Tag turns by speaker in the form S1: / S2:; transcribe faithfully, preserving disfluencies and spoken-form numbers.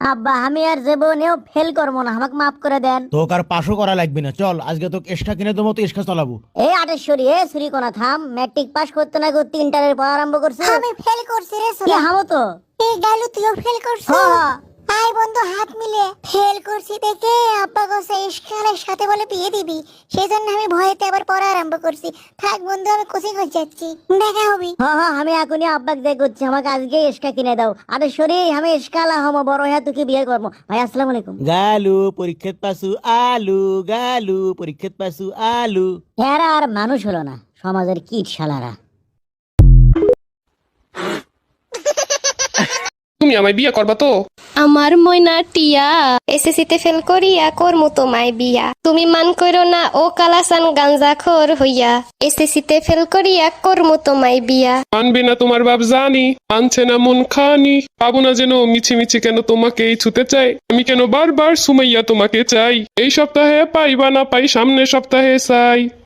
S1: আব্বা আমি আর জীবনেও ফেল করবো না, আমাকে মাফ করে দেন।
S2: তোকে আর পাশও করা লাগবে না, চল আজকে তোকে এক্সট্রা কিনে দেবো, তো এক্সট্রা চালাবো।
S1: এই আটেশ্বরী, এ সুরি কোনা থাম। ম্যাট্রিক পাস করতে না করতে ইন্টারের পড়া আরম্ভ করছে।
S3: আমি ফেল করছি রে
S1: কি
S3: সোনা।
S1: হামো তো?
S3: এই গালু তুইও ফেল করছিস?
S1: হ্যাঁ।
S3: আই বন্ধু হাত মিলে ফেল করছি দেখে আব্বা কইছে ইশকালের সাথে বলে বিয়ে দিবি, সেজন্য আমি ভয়েতে আবার পড়া আরম্ভ করছি। থাক বন্ধু আমি কোচিং হয়ে যাচ্ছি, দেখা হবি।
S1: হ্যাঁ হ্যাঁ, আমি এখনই আব্বাকে দেখ করছি, আমাকে আজকে এক্সট্রা কিনে দাও। আটেশ্বরী, আমি এসকালা হমো, বড় হ্যাঁ তোকে বিয়ে করবো। ভাই আসসালামু আলাইকুম।
S2: গালু পরীক্ষাত পাসু আলু, গালু পরীক্ষাত পাসু আলু।
S1: এরা আর মানুষ হলো না, সমাজের কীট শালারা।
S4: তুমি আমায় বিয়ে করবা তো?
S5: আমার ময়না টিয়া এসএসসিতে ফেল করিয়া করমু তোমায় বিয়া। তুমি মান করো না ও কালাসান গাঞ্জাখোর হইয়া, এসএসসিতে ফেল করিয়া করমু তোমায় বিয়া।
S4: মানবে না তোমার বাপ জানি, মানছে না মন খানি। পাবো না যেন মিছি মিছি কেন তোমাকে ছুতে চাই, আমি কেন বারবার সুমাইয়া তোমাকে চাই। এই সপ্তাহে পাই বা না পাই সামনের সপ্তাহে চাই।